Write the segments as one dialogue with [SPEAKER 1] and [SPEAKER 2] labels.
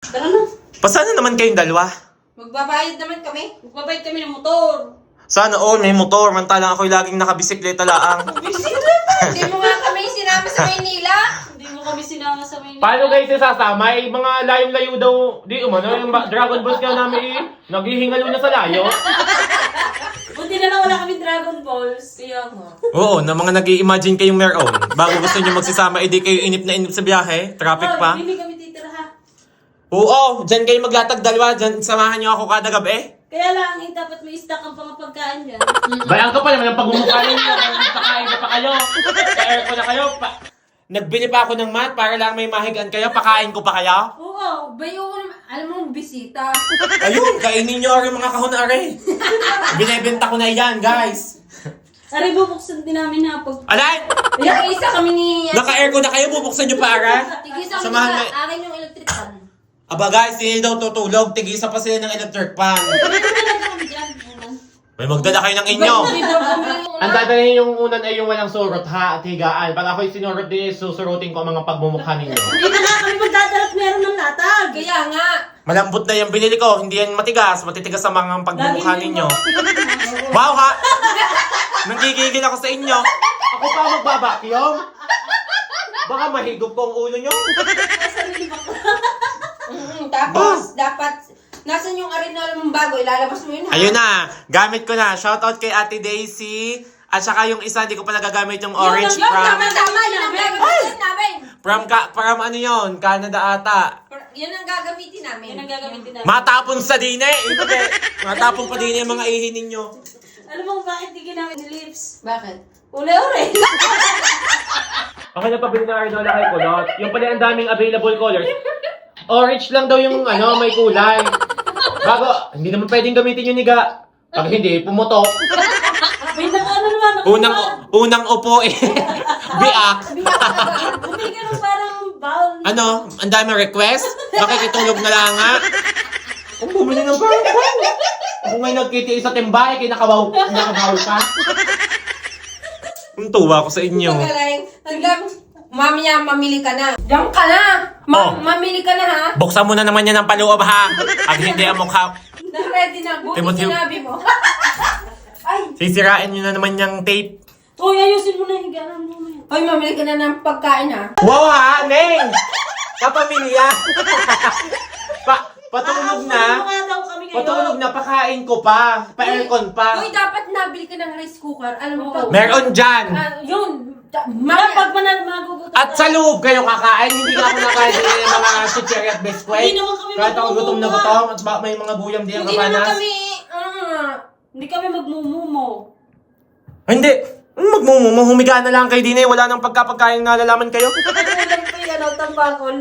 [SPEAKER 1] Tara na.
[SPEAKER 2] Pasana naman kayong dalawa?
[SPEAKER 3] Magbabayad naman kami.
[SPEAKER 1] Magbabayad kami ng motor.
[SPEAKER 2] Sana all may motor, mantalang ako'y laging nakabisikleta laang.
[SPEAKER 3] Hindi mo nga kami sinama sa Maynila.
[SPEAKER 1] Hindi mo kami sinama sa Maynila.
[SPEAKER 4] Paano guys sasama? May mga layong-layo daw. Di umano, yung Dragon Balls nga namin naghihingalo na sa layo.
[SPEAKER 1] Buti na lang wala kami Dragon Balls.
[SPEAKER 3] Kaya nga.
[SPEAKER 2] Oo, na mga nag-i-imagine kayong meron. Bago gusto nyo magsasama, edi kayo inip na inip sa biyahe. Traffic pa.
[SPEAKER 1] Hindi kami titira ha.
[SPEAKER 2] Oo, dyan kayo maglatag dalawa. Dyan, samahan nyo ako kada gabi.
[SPEAKER 1] Kaya lang, dapat may stock ang pangapagkaan dyan.
[SPEAKER 4] Bayan ka pa naman ang pagmumukha ninyo. Sakain na pa kayo. Ka-aircon na kayo.
[SPEAKER 2] Nagbili pa ako ng mat para lang may mahigaan kayo. Pakain ko pa kaya.
[SPEAKER 1] Oo.
[SPEAKER 3] Bayo ko naman, alam mo, bisita.
[SPEAKER 2] Ayun, kainin nyo rin mga kahon are. Binibenta ko na yan, guys.
[SPEAKER 1] Aray, bubuksan din namin ha.
[SPEAKER 2] Alay!
[SPEAKER 3] Nag-iisa kami ni...
[SPEAKER 2] Naka-aircon na kayo, bubuksan nyo pa ara.
[SPEAKER 3] Tigisa kami
[SPEAKER 2] Samahan
[SPEAKER 3] na
[SPEAKER 2] mo-
[SPEAKER 3] akin yung electric fan.
[SPEAKER 2] Aba guys, hindi daw tutulog. Tigisa pa sila ng electric fan. May magdala kayo ng inyo.
[SPEAKER 4] Ang dadalhin yung unan ay yung walang surot ha at higaan. Pag ako'y sinurot din, susurutin ko ang mga pagmumukha ninyo.
[SPEAKER 1] Hindi na nga kami magdadalat meron ng latag.
[SPEAKER 3] Kaya nga.
[SPEAKER 2] Malambot na yung binili ko. Hindi yan matigas. Matitigas ang mga pagmumukha ninyo. Wow ha! Nanggigigil ako sa inyo.
[SPEAKER 4] Ako pa magbabakyong? Baka mahigop ko ang ulo nyo.
[SPEAKER 3] Tapos, dapat, nasan yung arena mong bago? Ilalabas mo yun ha?
[SPEAKER 2] Ayun na. Gamit ko na. Shoutout kay Ate Daisy. At saka yung isa, hindi ko pa nagagamit yung orange
[SPEAKER 3] Yung tama,
[SPEAKER 2] from...
[SPEAKER 3] yun ang gagamitin namin.
[SPEAKER 2] From ano yun? Canada ata.
[SPEAKER 3] Yun ang gagamitin namin.
[SPEAKER 1] Yan ang gagamitin namin.
[SPEAKER 2] Matapon sa dine. Hindi. Matapon pa din yung mga ihi ninyo.
[SPEAKER 1] Alam mo bakit di ginamit ni lips?
[SPEAKER 3] Bakit?
[SPEAKER 1] Ule-ule.
[SPEAKER 4] Okay na pabili na Arnola kay Kulot. Yung pala ang daming available colors. Orange lang daw yung may kulay. Bago, hindi naman pwedeng gamitin yung niga. Pag hindi, pumutok.
[SPEAKER 1] Wait lang, ano naman?
[SPEAKER 2] Unang upo eh. Biak.
[SPEAKER 1] Bumili ka ng parang bowl.
[SPEAKER 2] Ano? Ang dami request? Makikitulog na lang nga.
[SPEAKER 4] Ang bumili ng parang. Ako ngayon nagkitiis sa timbay, kinakabaw ka.
[SPEAKER 2] Ang tuwa ko sa inyo.
[SPEAKER 3] Magaling. Hanggang, mamaya mamili ka na. Diyan ka na.
[SPEAKER 2] Oh.
[SPEAKER 3] Mamili ka na ha.
[SPEAKER 2] Buksan mo na naman yan ng paloob ha. Pag hindi ang mukha,
[SPEAKER 3] Na-ready na. Buti
[SPEAKER 2] Timothy.
[SPEAKER 3] sinabi mo. Ay.
[SPEAKER 2] sisirain nyo na naman yung tape.
[SPEAKER 1] Uy, ayusin mo na yung higaan mo.
[SPEAKER 3] Hoy, mamili ka na ng pagkain ha.
[SPEAKER 2] Wow ha, Neng! Kapamilya! Patulog na. Patulog na, pakain ko pa. Pa-aircon pa.
[SPEAKER 3] Hoy, dapat nabili ka ng rice cooker. Alam mo ba?
[SPEAKER 2] Meron dyan.
[SPEAKER 3] Yun.
[SPEAKER 1] Maya, pag magugutom.
[SPEAKER 2] At sa loob kayo kakain, hindi ka ako nakain din ng mga chichiri at biskwit.
[SPEAKER 1] Hindi naman kami
[SPEAKER 2] Kahit ako gutom na
[SPEAKER 1] magmumumo.
[SPEAKER 2] gutom, at may mga guyam din ang
[SPEAKER 3] Hindi naman
[SPEAKER 2] kapanas.
[SPEAKER 3] kami,
[SPEAKER 1] Hindi kami magmumumo.
[SPEAKER 2] Ay, hindi. Magmumumo, humiga na lang kayo din eh. Wala nang pagkapagkain na lalaman kayo.
[SPEAKER 1] Ulam pa yung tambakol.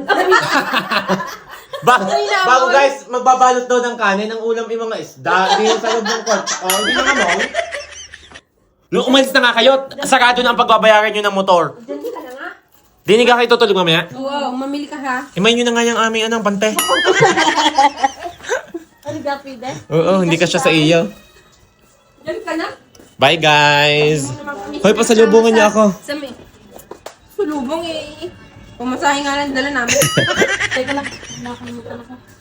[SPEAKER 2] Bago guys, magbabalot daw ng kanin, ang ulam yung mga isda. Hindi yung sa loob ng kwarto. Hindi na mo. Nung umalis na nga kayo, sarado na ang pagbabayaran nyo ng motor.
[SPEAKER 3] Diyan ka na nga.
[SPEAKER 2] Di nga kayo tutulog mamaya.
[SPEAKER 3] Oo, mamili ka ha.
[SPEAKER 2] Imay nyo na nga yung aming anong pante.
[SPEAKER 1] Ano gapi de?
[SPEAKER 2] Oo, hindi ka siya sa iyo.
[SPEAKER 3] Diyan ka na.
[SPEAKER 2] Bye guys! Hoy, pasalubungan niyo ako.
[SPEAKER 3] Sa may... Sulubong eh. Pumasahe nga lang dala namin.
[SPEAKER 1] Teka lang, nakalimutan ako.